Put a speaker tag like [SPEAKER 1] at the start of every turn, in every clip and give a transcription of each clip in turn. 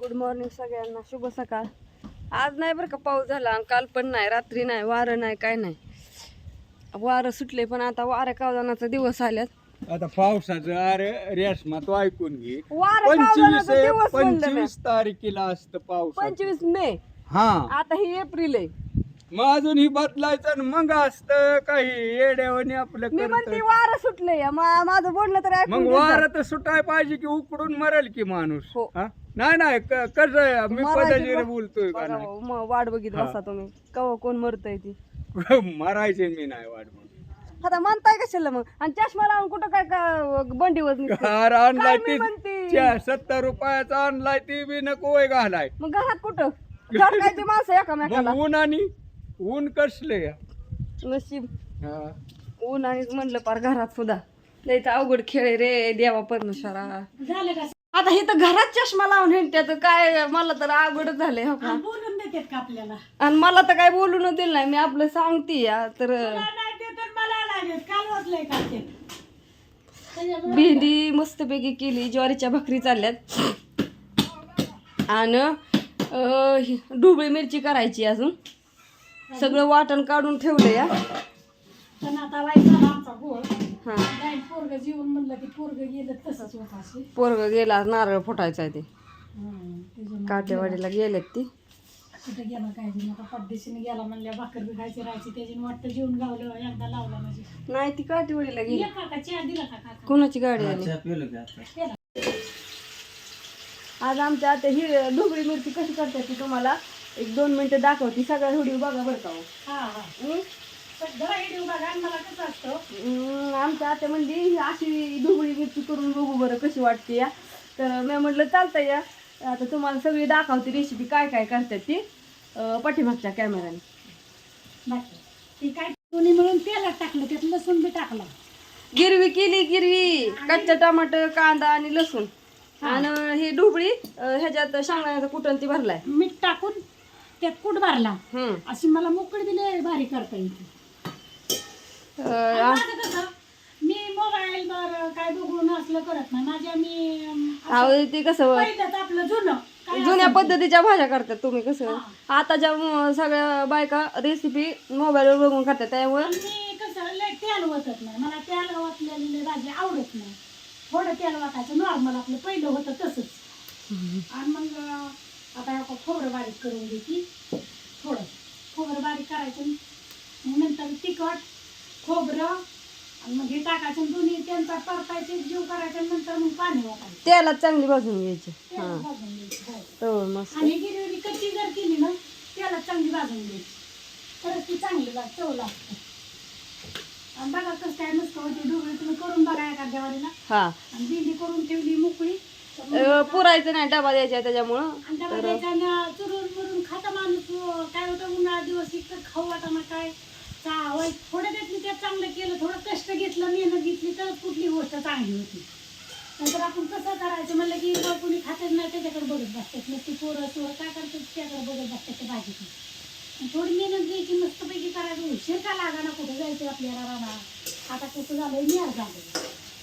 [SPEAKER 1] Good morning सगळ्यांना, शुभ सकाळ. आज नाही बरं का पाऊस झाला, काल पण नाही, रात्री नाही, वारं नाही, काय नाही. वारं सुटले पण आता वाऱ्या कावदानाचा दिवस आल्यात.
[SPEAKER 2] आता पावसाचं अरे रेशमा तू ऐकून घे.
[SPEAKER 1] वारं कावदानाचा दिवस म्हणलं मी.
[SPEAKER 2] 25 तारखेला असतं पाऊस.
[SPEAKER 1] 25 मे.
[SPEAKER 2] हा
[SPEAKER 1] आता ही एप्रिल आहे.
[SPEAKER 2] मग अजून ही बदलायचं आणि मग असतं काही येड्यावानी आपलं
[SPEAKER 1] मी म्हणते
[SPEAKER 2] करत.
[SPEAKER 1] वारं सुटले, माझं बोलणं तर ऐकून
[SPEAKER 2] मग
[SPEAKER 1] घे जा.
[SPEAKER 2] वारं तर सुटाय पाहिजे की उकडून मरेल की माणूस.
[SPEAKER 1] हो.
[SPEAKER 2] हा? नाही कसं आहे, मी
[SPEAKER 1] मरायची
[SPEAKER 2] पदाजीर
[SPEAKER 1] बघ.
[SPEAKER 2] बोलतोय का
[SPEAKER 1] बघा
[SPEAKER 2] नाही?
[SPEAKER 1] भाऊ, मग वाट बघित
[SPEAKER 2] हा.
[SPEAKER 1] बसा तुम्ही, कवा कोण मरतय ती.
[SPEAKER 2] मरायचे मी नाही वाट बघत.
[SPEAKER 1] आता म्हणताय कशाला मग? आणि चष्मा लावून कुठं काय बंडीवर निघते?
[SPEAKER 2] कार आणलाय
[SPEAKER 1] काय मी म्हणते?
[SPEAKER 2] ती 70 रुपयाचा आणलाय ती बी नको वय घालाय.
[SPEAKER 1] मग घरात कुठं झटकायची माणसं एकामेकाला.
[SPEAKER 2] मग ऊन आणि ऊन कसले
[SPEAKER 1] नशीब ऊन आणि म्हणलं पार घरात सुद्धा लयच अवघड खेळ आहे रे देवा परमेश्वरा. आता हे तर घरात चष्मा लावून हिंडत्यात काय, मला तर अवघडच झालंय हो का.
[SPEAKER 3] बोलून देतात का आपल्याला?
[SPEAKER 1] आणि मला तर काय बोलून दिलं नाही, मी आपलं सांगते या तर.
[SPEAKER 3] नाही ते तर मला लागेल, काल वाचलंय का ते?
[SPEAKER 1] भेंडी मस्तपैकी केली, ज्वारीच्या भाकरी चालल्यात आणि ढोबळी मिरची करायची अजून. सगळं वाटण काढून ठेवलं या.
[SPEAKER 3] पण आता वाईट झाला आमचा गोळ.
[SPEAKER 1] हा,
[SPEAKER 3] नाही पोरग जीवन म्हणलं की पोरग गेलं तसंच होत असे.
[SPEAKER 1] पोरग गेला, नारळ फुटायचा आहे ते. काटेवाडीला गेलेत ती.
[SPEAKER 3] कुठे गेला काय नाही, आता पद्धतीने गेला म्हणल्या भाकर बी खायची राहायची त्याची वाटतं जेवण गावलं एकदा लावला म्हणजे.
[SPEAKER 1] नाही ती काटेवाडीला गेली.
[SPEAKER 3] ये काका चहा दिला का काका?
[SPEAKER 1] कोणाची गाडी आली?
[SPEAKER 3] केला.
[SPEAKER 1] आज आमच्या आता ही ढोबळी मिरची कशी करतात ती तुम्हाला 1-2 मिनिटं दाखवते. सगळ्या व्हिडिओ बघा बरं का हो.
[SPEAKER 3] हा सगळं व्हिडिओ बघा आणि मला कसं असतं.
[SPEAKER 1] आमच्या आता म्हणजे ही अशी ढोबळी मिरची करून बघू बरं कशी वाटते या. तर मी म्हटलं चालतं या, आता तुम्हाला सगळी दाखवते रेसिपी काय काय करतात ती पाठीमागच्या कॅमेराने.
[SPEAKER 3] बाकी ती काय दोन्ही मिळून तेलात टाकलं, त्यात लसूण बी टाकला.
[SPEAKER 1] गिरवी केली, गिरवी कच्चा टमाटर, कांदा आणि लसूण आणि ही ढोबळी ह्याच्यात शेंगदाण्याचा कुटण ती भरलाय.
[SPEAKER 3] मीठ टाकून त्यात कूट भरला.
[SPEAKER 1] हम्म.
[SPEAKER 3] अशी मला मोकळी दिली भारी करता येते. आणि माझं कसं, मी मोबाईल वर काय बघून असलं करत नाही. माझ्या
[SPEAKER 1] ते कसं
[SPEAKER 3] पहिलंच आपलं जुनं काय
[SPEAKER 1] जुन्या
[SPEAKER 3] असेल ते.
[SPEAKER 1] पद्धतीच्या भाज्या करतात तुम्ही. कसं आताच्या सगळ्या बायका रेसिपी मोबाईलवर बघून करतात, त्यामुळे
[SPEAKER 3] आणि मी कसं लय तेल ओतत नाही, मला तेल ओतलेली भाजी आवडत नाही. थोडं तेल वाटायचं नॉर्मल आपलं पहिलं होतं तसंच. आणि मग आता हे खोबरं बारीक करून घेते. थोडं खोबरं बारीक करायचं, मग नंतर तिखट खोबरं आणि मग हे टाकायचं, दोन्ही त्यांचा परतायचे जीव करायचं, नंतर मग पाणी वाटायचं.
[SPEAKER 1] तेलात चांगली भाजून घ्यायची.
[SPEAKER 3] तेल भाजून घ्यायचं, हो.
[SPEAKER 1] तर मस्त.
[SPEAKER 3] आणि गिरवी कच्ची जर केली ना त्याला चांगली भाजून घ्यायची, तरच ती चांगली चव लागते. आणि बघा कसं काय मस्त होती ढोबळी. तुम्ही करून बघा एखाद्या वारीला.
[SPEAKER 1] हा,
[SPEAKER 3] आणि भेंडी करून ठेवली मोकळी.
[SPEAKER 1] पुरायचं नाही, डबा द्यायचा त्याच्यामुळं.
[SPEAKER 3] आणि डबा द्यायचा ना, चुरून मुरून खाता माणूस. काय होतं उन्हाळा दिवस इतकं खाऊ वाटाणा काय थोडं त्यातली त्यात चांगलं केलं, थोडं कष्ट घेतलं, मेहनत घेतली तर कुठली गोष्ट चांगली होती. नंतर आपण कसं करायचं म्हणलं की कोणी खातच नाही त्याच्याकडे बघत बसतात. मग ती पोरं काय करतात त्याकडे बघत बसतात त्या भाजीची. थोडी मेहनत घ्यायची, मस्तपैकी करायचं. उशीर का लागा ना, कुठं जायचं आपल्याला राहणार. आता कसं झालंय, निहार झालं.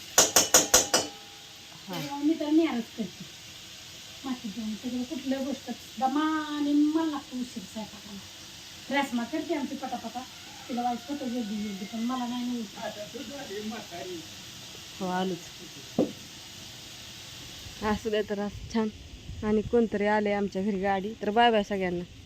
[SPEAKER 3] मी तर निहारच करते माती जाऊन. त्याच्यावर कुठल्या गोष्ट दमाने मला लागतं उशीर स्वयंपाकाला. रॅसमा करते आमची पटापटा, तिला वाईट फोटो गेली पण मला नाही
[SPEAKER 1] हो आलूच असू द्या. तर असं छान. आणि कोणतरी आले आमच्या घरी गाडी. तर बाय बाय सगळ्यांना.